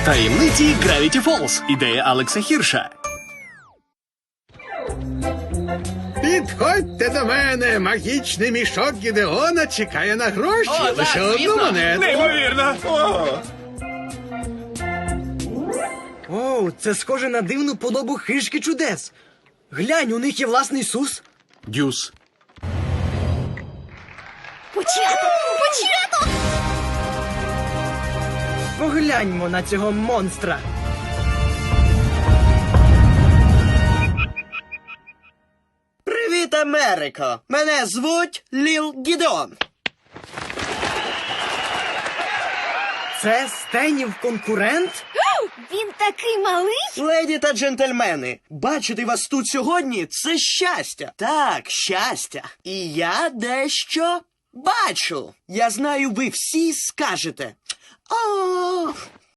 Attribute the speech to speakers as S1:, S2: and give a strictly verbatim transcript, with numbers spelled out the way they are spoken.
S1: Таємниці Gravity Falls. Ідея Алекса Хірша.
S2: Підходьте до мене, магічний мішок Гідеона чекає на гроші.
S1: О, так,
S2: Лише одну
S1: звісно.
S2: монету.
S1: Неймовірно. О.
S3: Оу, це схоже на дивну подобу хижки чудес. Глянь, у них є власний сус.
S1: Дюс.
S4: Початок! Початок!
S3: Погляньмо на цього монстра.
S5: Привіт, Америко! Мене звуть Ліл Гідеон.
S3: Це Стенів конкурент?
S4: Він такий малий!
S5: Леді та джентльмени, бачити вас тут сьогодні – це щастя. Так, щастя. І я дещо бачу. Я знаю, ви всі скажете: «О,